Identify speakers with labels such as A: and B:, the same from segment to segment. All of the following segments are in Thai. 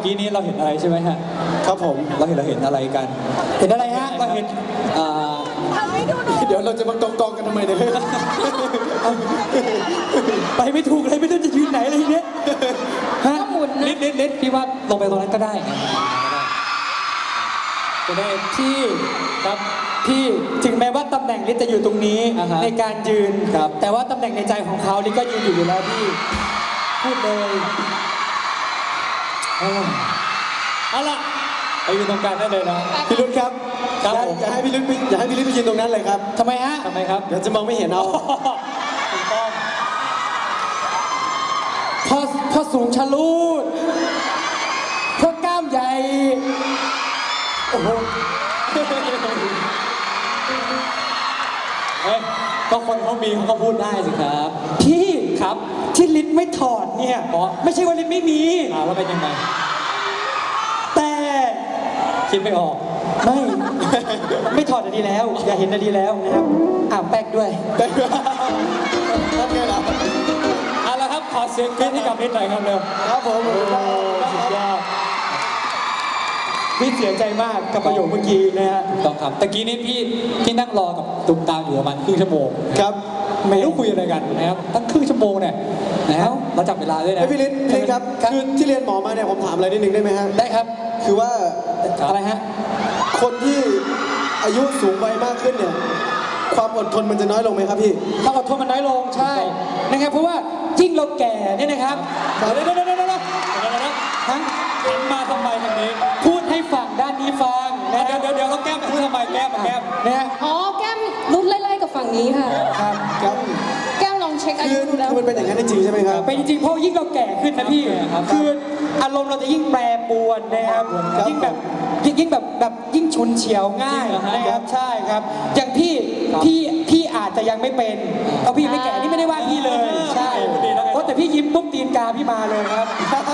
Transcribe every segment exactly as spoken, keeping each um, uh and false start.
A: กี้นี้เราเห็นอะไรใช่ไหมฮะครับผมเราเห็นเราเห็นอะไรกันเห็นอะไรฮะเราเห็นอ่าเดี๋ยวเราจะมากองกองกันทำไมเนี่ยไปไม่ถูกเลยไม่รู้จะยืนไหนเลยทีเนี้ยฮะนิดนิดนิดพี่ว่าลงไปตรงนั้นก็ได้จะได้พี่ครับพี่ถึงแม้ว่าตำแหน่งลิศจะอยู่ตรงนี้ในการยืนแต่ว่าตำแหน่งในใจของเขาลิศก็ยืนอยู่อยู่แล้วพี่พูดเลยเอาล่ะไปยืนตรงกลางได้เลยนะพี่รุ่นครับอย่าให้พี่รุ่นอย่าให้พี่รุ่นไปยืนตรงนั้นเลยครับทำไมฮะทำไมครับเดี๋ยวจะมองไม่เห็นเอาถูกต้องพอพอสูงชะลูดพอกล้ามใหญ่โอ้โหเฮ้ยก็คนเขามีเขาก็พูดได้สิครับพี่ครับที่ลิ้นไม่ถอดเนี่ยไม่ใช่ว่าลิ้นไม่มีอ่าว่าเป็นยังไงแต่คิดไม่ออกไม่ไม่ถอดดีแล้ว อย่าเห็นดีแล้วนะครับอ่าแป๊กด้วยแป๊กด้วยนั่นไงล่ะเอาละครับขอเสียงกรี๊ดให้กับลิ้นหน่อยครับเร็วครับผมสุดยอดพี่เสียใจมากกับประโยคเมื่อกี้นะฮะต้องครับตะกี้นี้พี่พี่นั่งรอกับตุ้มตามอยู่ประมาณครึ่งชั่วโมงครับไม่รู้คุยอะไรกันนะครับตั้งครึ่งชั่วโมงเนี่ยแล้วเราจับเวลาด้วยนะพี่ลิศพี่ลิศครับคือที่เรียนหมอมาเนี่ยผมถามอะไรนิดนึงได้ไหมฮะได้ครับคือว่าอะไรฮะคนที่อายุสูงวัยมากขึ้นเนี่ยความอดทนมันจะน้อยลงไหมครับพี่ความอดทนมันน้อยลงใช่นะครับเพราะว่ายิ่งเราแก่เนี่ยนะครับเดี๋ยวเดี๋ยวเดี๋ยวเดี๋ยวเดี๋ยวทั้งหันมาทำไมทางนี้พูดให้ฝั่งด้านนี้ฟังนะเดี๋ยวเดี๋ยวเดี๋ยวเราแก้มพูดทำไมแก้มแก้มนะอ๋อแก้มรุ่นไล่ๆกับฝั่งนี้ค่ะครับครับแก้มลองเช็คอายุดูแล้วคือมันเป็นอย่างนั้นจริงใช่ไหมครับเป็นจริงเพราะยิ่งเราแก่ขึ้นนะพี่คืออารมณ์เราจะยิ่งแปรปรวนนะครับยิ่งแบบยิ่งแบบแบบยิ่งชุนเฉียวง่ายนะครับใช่ครับอย่างพี่พี่พี่อาจจะยังไม่เป็นเพราะพี่ไม่แก่นี่ไม่ได้ว่าพี่เลยใช่เพราะแต่พี่ยิ้มปุ๊บตีนกาพี่มาเลยครับ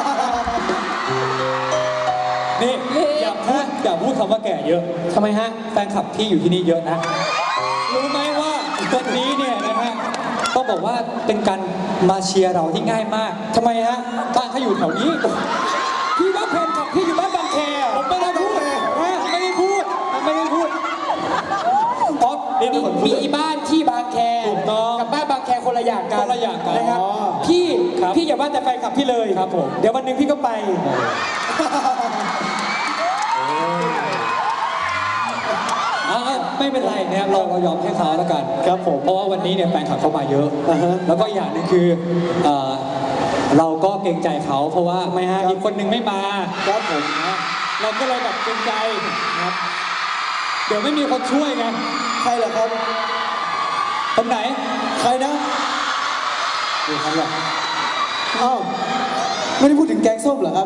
A: นี่อย่าพูดอย่าพูดคำว่าแก่เยอะทำไมฮะแฟนคลับพี่อยู่ที่นี่เยอะนะรู้ไหมว่าวันนี้เนี่ยนะฮะต้องบอกว่าเป็นการมาเชียร์เราที่ง่ายมากทำไมฮะบ้านเขาอยู่แถวนี้พี่ว่าแฟนคลับพี่อยู่บ้านบางแคผมไม่ได้พูดนะไม่ได้พูดไม่ได้พูดเพราะมีบ้านที่บางแคกับบ้านบางแคคนละอย่างกันคนละอย่างกันนะครับพี่พี่อย่าว่าแต่แฟนคลับพี่เลยครับผมเดี๋ยววันหนึ่งพี่ก็ไปไม่เป็นไรนะครับเราเรายอมให้เขาแล้วกันครับผมเพราะว่าวันนี้เนี่ยแฟนคลับเขามาเยอะแล้วก็อย่างหนึ่งคือเราก็เกรงใจเขาเพราะว่าไม่ฮะอีกคนนึงไม่มาครับผมเราก็เลยแบบเกรงใจนะครับเดี๋ยวไม่มีคนช่วยไงใครเหรอครับคนไหนใครนะดูครับล่ะอ้าวไม่ได้พูดถึงแกงส้มเหรอครับ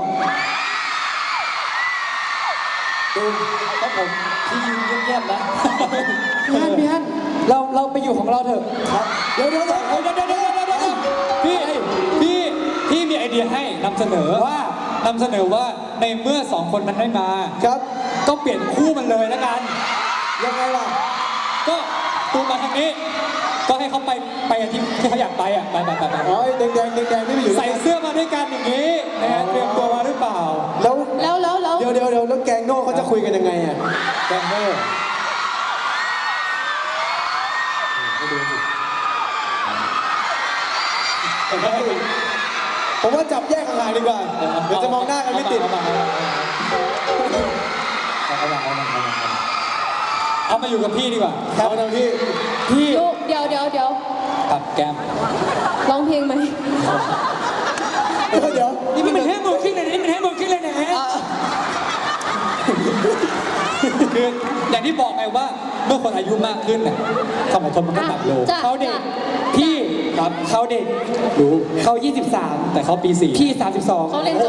A: ดูครับผมพี่ยืนเงียบๆนะพี่ฮันพี่ฮันเราเราไปอยู่ของเราเถอะครับเดี๋ยวเดี๋ยวเดี๋ยวเดี๋ยวเดี๋ยวเดี๋ยวเดี๋ยวพี่พี่พี่มีไอเดียให้นำเสนอว่านำเสนอว่าในเมื่อสองคนมันไม่มาครับก็เปลี่ยนคู่มันเลยแล้วกันยังไงล่ะก็ตูมาทางนี้ก็ให้เขาไปไปที่ที่เขาอยากไปอ่ะไปไปไปไปอ๋อแดงแดงแดงแดงไม่ไปอยู่ใส่เสื้อมาด้วยกันอย่างนี้นะฮะเตรียมตัวมาหรือเปล่าแล้วแล้วแล้วแล้วเดี๋ยวเดี๋ยวเดี๋ยวแล้วแกงโน่เขาจะคุยกันยังไงอ่ะแกงโน่ผมว่าจับแยกห่างๆดีกว่าเดี๋ยวจะมองหน้ากันไม่ติดเอามาอยู่กับพี่ดีกว่าครับเอาพี่พี่
B: เดี๋ยวเดี๋ยวเดี๋ยว
A: ตัดแก้ม
B: ร้องเพลงไหม
A: เดี๋ยวเดี๋ยวนี่มันให้มือขึ้นเลยนี่มันให้มือขึ้นเลยนะคืออย่างที่บอกไงว่าเมื่อคนอายุมากขึ้นเนี่ยความอดทนมันก็ต่ำลงเขาเด็กพี่ครับเขาเด็กรู้เขายี่สิบสามแต่เขาปีสี่พี่สามสิบสอง
B: เขาเรียนจบ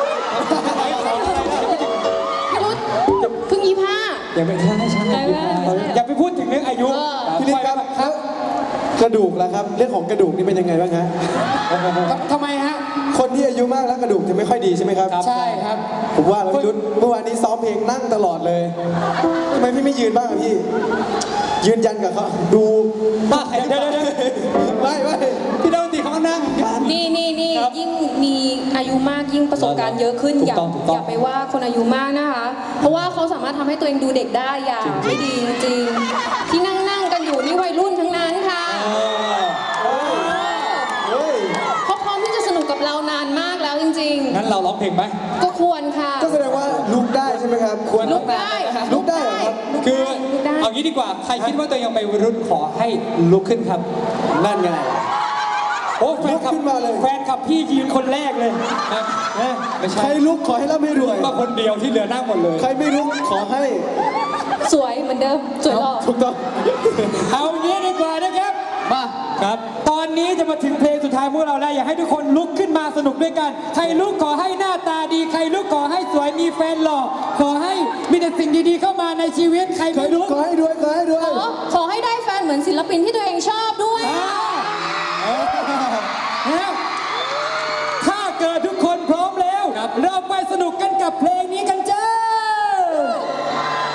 B: พี่รุ่นเพิ่งยี่ห้า
A: อย่าไปใช่ใช่อย่าไปพูดถึงเรื่องอายุพี่ลิศครับครับกระดูกแล้วครับเรื่องของกระดูกนี่เป็นยังไงบ้างฮะทำไมฮะคนที่อายุมากแล้วกระดูกจะไม่ค่อยดีใช่ไหมครับใช่ครับผมว่าเราพี่รุ่นเมื่อวานนี้ซ้อมเพลงนั่งตลอดเลยทำไมพี่ไม่ยืนบ้างพี่ยืนยันกับเขาดูบ้าเดี๋ยวเดี๋ยวไม่ไม่พี่ดาวตีเขาก็นั่ง
B: นี่นี่นี่ยิ่งมีอายุมากยิ่งประสบการณ์เยอะขึ้น
A: ถู
B: อก ย่า
A: ต้องถูกต้อง
B: อย่าไปว่าคนอายุมากนะคะ เพราะว่าเขาสามารถทำให้ตัวเองดูเด็กได้อย่าไม่ดีจริงๆที่นั่งนั่งๆกันอยู่นี่วัยรุ่นทั้งนั้นค่ะ
A: เออ
C: เฮ้ย
B: เขาพร้อมที่จะสนุกกับเรานานมากแล้วจริง
A: งั้นเราร้องเพลงไหม
B: ๆ ก็ควรค่ะ
C: ก็แสดงว่าลุกได้ใช่ไหมครับ
A: ควร
B: ลุกได้
C: ลุกได้เหรอครับ
A: คือ
B: ลุกได้
A: เอางี้ดีกว่า ใครคิดว่าตัวเองยังเป็นวัยรุ่นขอให้ลุกขึ้นครับ
C: นั่นไง
A: โอ้แฟนคลับ
C: ลุกขึ้นมาเลย
A: แฟนคลับพี่ยืนคนแรกเลยนะเอ้ยไม่
C: ใค
A: ใช่
C: รลุกขอให้ร่ำให้รวย
A: มาคนเดียวที่เหลือนั่งหมดเลย
C: ใครไม่ลุกขอให้
B: สวยเหมือนเดิม สวยหล่อ
C: ถูกต้อง
A: เอางี้ดีกว่านะครับ มาครับ ตอนนี้จะมาถึงเพลงสุดท้ายพวกเราแล้วอยากให้ทุกคนลุกขึ้นมาสนุกด้วยกัน ใครลุกขอให้หน้าตาดี ใครลุกขอให้สวยมีแฟนหล่อ ขอให้มีแต่สิ่งดีๆเข้ามาในชีวิต ใคร
C: ใคร
A: ไม่
C: ลุ
A: ลุ
C: ก
A: ก
C: ขอให้รวยขอให้รวย
B: ขอขอให้ได้แฟนเหมือนศิลปินที่ตัวเองชอบด้วย